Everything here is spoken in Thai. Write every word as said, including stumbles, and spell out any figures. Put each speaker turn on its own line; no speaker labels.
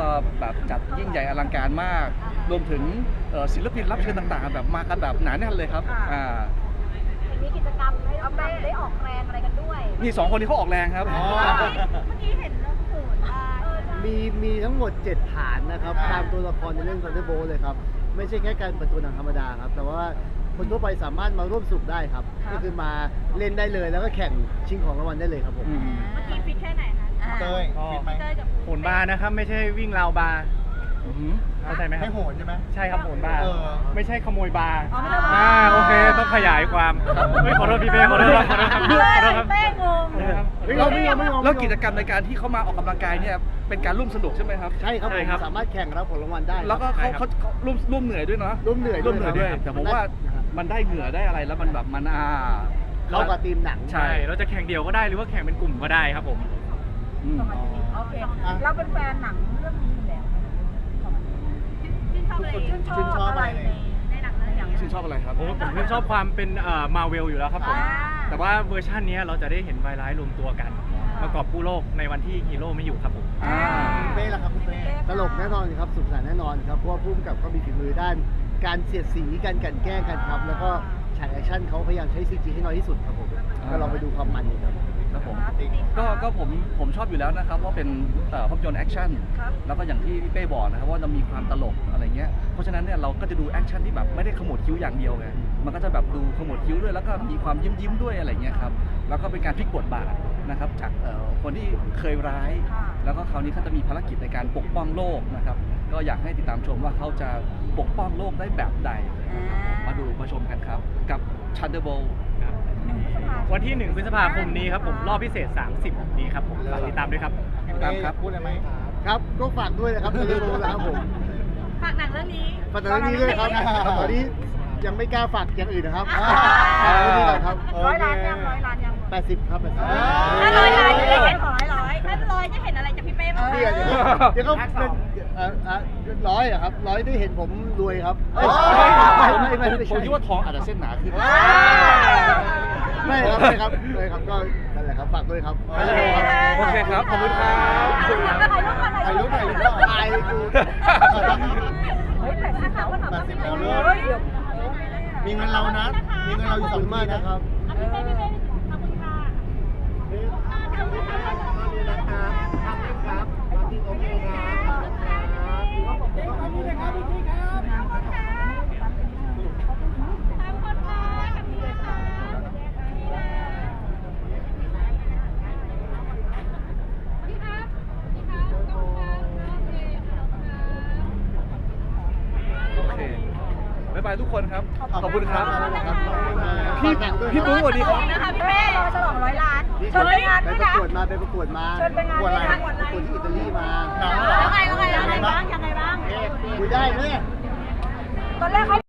ก็แบบจัดยิ่งใหญ่อลังการมากรวมถึงศิลปินรับเชิญต่างๆแบบมากันแบบหนาแน่นเลยครับอ่า
มีกิจกรรมให้เราได้ออกแรงอะไรกันด้วย
นี่สองคนนี้เขาออกแรงครับ
เมื่อกี้เห็นแล้วโหดมาก
มีมีทั้งหมดเจ็ดฐานนะครับตามตัวละครในเรื่อง Thunderbolt เลยครับไม่ใช่แค่การเปิดตัวหนังธรรมดาครับแต่ว่าคนทั่วไปสามารถมาร่วมสนุกได้ครับก็คือมาเล่นได้เลยแล้วก็แข่งชิงของรางวัลได้เลยครับผม
เมื่อกี้ฟิตแค่ไหนคะ
เต้ยฟิตไหม
โหนบาร์นะครับไม่ใช่วิ่งราวบาร์เข้าใจไหมครับ
ให้โหนใช่ไหม
ใช่ครับโหนบาร์
เออ
ไม่ใช่ขโมยบาร์อ่าโอเคต้องขยายความไม่ขอโทษพี่เป้ขอโทษครับขอโทษครับขอโทษครับ
เป้งง
ไม่งงไม่งงไม่งง
แล้วกิจกรรมในการที่เขามาออกกำลังกายเนี่ยเป็นการร่วมสนุกใช่ไหมครับ
ใช่ครับผมสามารถแข่งรับผลรางวัลได้
แล้วก็เขาเขาร่วมร่วมเหนื่อยด้วยเนาะ
ร่วมเหนื่อย
ร่วมเหนื่อยด้วยแต่ผมว่ามันได้เหงื่อได้อะไรแล้วมันแบบมันอ่า
เข้ากับทีมหนัง
ใช่เราจะแข่งเดี่ยวก็ได้หรือว่าแข่งเป็นกลุ่มก็ได้ครับผม
โอเคเราเป็นแฟนหนังเรื่องนี้อยู่แล้วชื่นชอบอะไรชื่นชอบอะไรในหนังเรื่องอย่าง
ชื่นชอบอะไรครับ
ผมผมชื่นชอบความเป็นเอ่อมาเวลอยู่แล้วครับผมแต่ว่าเวอร์ชันนี้เราจะได้เห็นไวร้ายรวมตัวกันประกอบกู้โลกในวันที่ฮีโร่ไม่อยู่ครับผม
เป้ล่ะครับคุณเป้
ตลกแน่นอนครับสุขสันต์แน่นอนครับเพราะว่าพุ่มกับก็มีฝีมือด้านการเสียดสีการกันแกล้งกันครับแล้วก็ฉากแอคชั่นเขาพยายามใช้ซีจีให้น้อยที่สุดครับผมก็ลองไปดูความมันครับ
ครับผมก็ก็ผมผมชอบอยู่แล้วนะครับเพราะเป็นภาพยนตร์แอคชั่นแล้วก็อย่างที่พี่เป้บอกนะครับว่าจะมีความตลกอะไรเงี้ยเพราะฉะนั้นเนี่ยเราก็จะดูแอคชั่นที่แบบไม่ได้ขมวดคิ้วอย่างเดียวไงมันก็จะแบบดูขมวดคิ้วด้วยแล้วก็มีความยิ้มยิ้มด้วยอะไรเงี้ยครับแล้วก็เป็นการพลิกบทบาทนะครับจากคนที่เคยร้ายแล้วก็คราวนี้เขาจะมีภารกิจในการปกป้องโลกนะครับก็อยากให้ติดตามชมว่าเขาจะปกป้องโลกได้แบบใดมาดูมาชมกันครับกับ Thunderbolt
วันที่หนึ่งพฤษภาคมนี้ครับผมรอบพิเศษสามสิบนี้ครับผมฝากติดตามด้วยครับ
ตามครับ
พูดอะไรไหม
ครับก็ฝากด้วยนะครับเรื่องโบนะครับผม
ฝากหนังเรื่องนี้
ฝากหนังเรื่องนี้ด้วยครับตอนนี้ยังไม่กล้าฝากอย่างอื่นนะครับฝากเรื่องนี้ก่อนครับ
ร้อยล้านยังร้อยล้านยัง
แปดสิบครับแปดสิบ
ถ้าร้อยล้านจะได้เห็นร้อยร้อยถ้าร้อยจะเห็นอะไรจากพี่เป้บ้าง
เดี๋ยวเดี๋ยวเขาเป็นร้อยอะครับร้อยได้เห็นผมรวยครับไม่ไม่ไม่
ผมคิดว่าทองอาจจะเส้นหนาขึ้น
ไม่ครับไม่ครับไม่ครับก็นั่นแหละครับฝากด้วยครับ
โอเคครับขอบคุณครับ
ถ่ายรูปถ่ายรูป
ถ่ายรูปถ่ายรูป
เฮ้ยแปดสิบแล้วก็ถามว่าพี่เป้
มีเงินเรานะมีเงินเราอยู่สองมากนะครับ
พี่เป้พี่เป้ขอบคุณค่ะขอบคุณค่ะ
นะครับขอบคุณครับขอบคุณโอเคครับขอบคุณครับพี่ครับพี่ครับ
ขอบคุณค่ะขอบคุณค่ะขอบคุณค่ะพี่ครับพี่ครับขอบคุณค่ะ
โอเคบ๊ายบายทุกคนครับขอบคุณครับ
พี่
พี่ปุ๊กสวัสดีครับ
นะคะพี่เป้ฉลองร้อยล้านเชิญไปงานด้วยนะ
ไปประกวดมาไปประกวดมา
เชิญไปงานด้วยนะ
ประกวดที่อิตาลีมา
แล้วไงแล้วไงแล้วไงบ้างยังไงบ้าง
คุยได้ไหม
ตอนแรกเขา